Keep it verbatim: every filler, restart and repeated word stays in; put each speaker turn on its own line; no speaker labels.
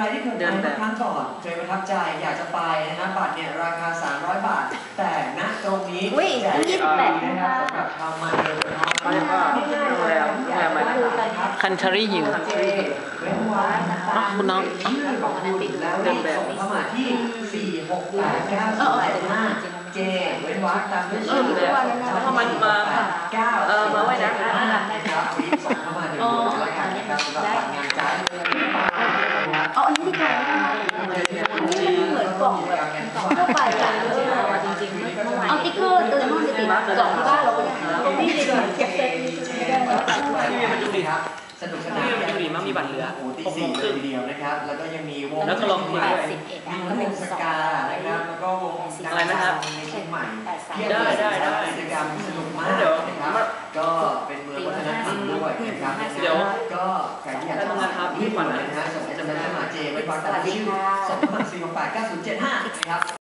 รที่เคยไปเมื่อครั้งก่อนเคยประทับใจอยากจะไปนะฮะบัตรเนี่ยราคาสามร้อยบาทแต่ณตรงนี้แจกยี่สิบแปดนะครับสำหรับชาวมาเลเซียเขาเรียกว่าโรงแรมโรงแรมอะไร
คันทรีฮิลคุณน้อง
ของคุณแล้วเดินแบบเข้ามาที่สี่หกแปดเก้าสิบแปดห้าเจเว้นวรรคตามด้วยชื่อ
ถ้ามันมา
เก้า
เออมาไว้นะ
นะครับรีบส่งเข้ามาดูแล้วกันนะครับสำหรับงานการ์ด
อ๋ออันนี้ที่ไหนเหมือนกล่องแบบทั่วไปเลยจริงๆเอาติ๊กเกอร์ตัวนู้นติดกล่องที่บ้านเราก็ได้พี่ติดเก็บเซ็ต
ที่มันดูดีครับสนุกสนาน
มันดูดีมากมีบัตรเหลือ
โอ้ตีสี่เลยทีเดียวนะครับแล้วก็ยังมีวง
แล้วก็ลองคุยด้วย
มีวงสกานะครับแล้วก็วง
อะไรนะครับ
ในเชียงใหม่
ได้ได้ได้
กิจกรรมสนุกมากนะครับก็เป็นเมืองวัฒนธรรมด้วยนะครับ
เดี๋ยว
ก็ใครที่อยากจะมาทำที่ฝันนะฮะส่งให้จำได้มาเจไว้ฟังแต่ละชื่อส่งเข้ามาสี่หกแปดเก้าศูนย์เจ็ดห้านะครับ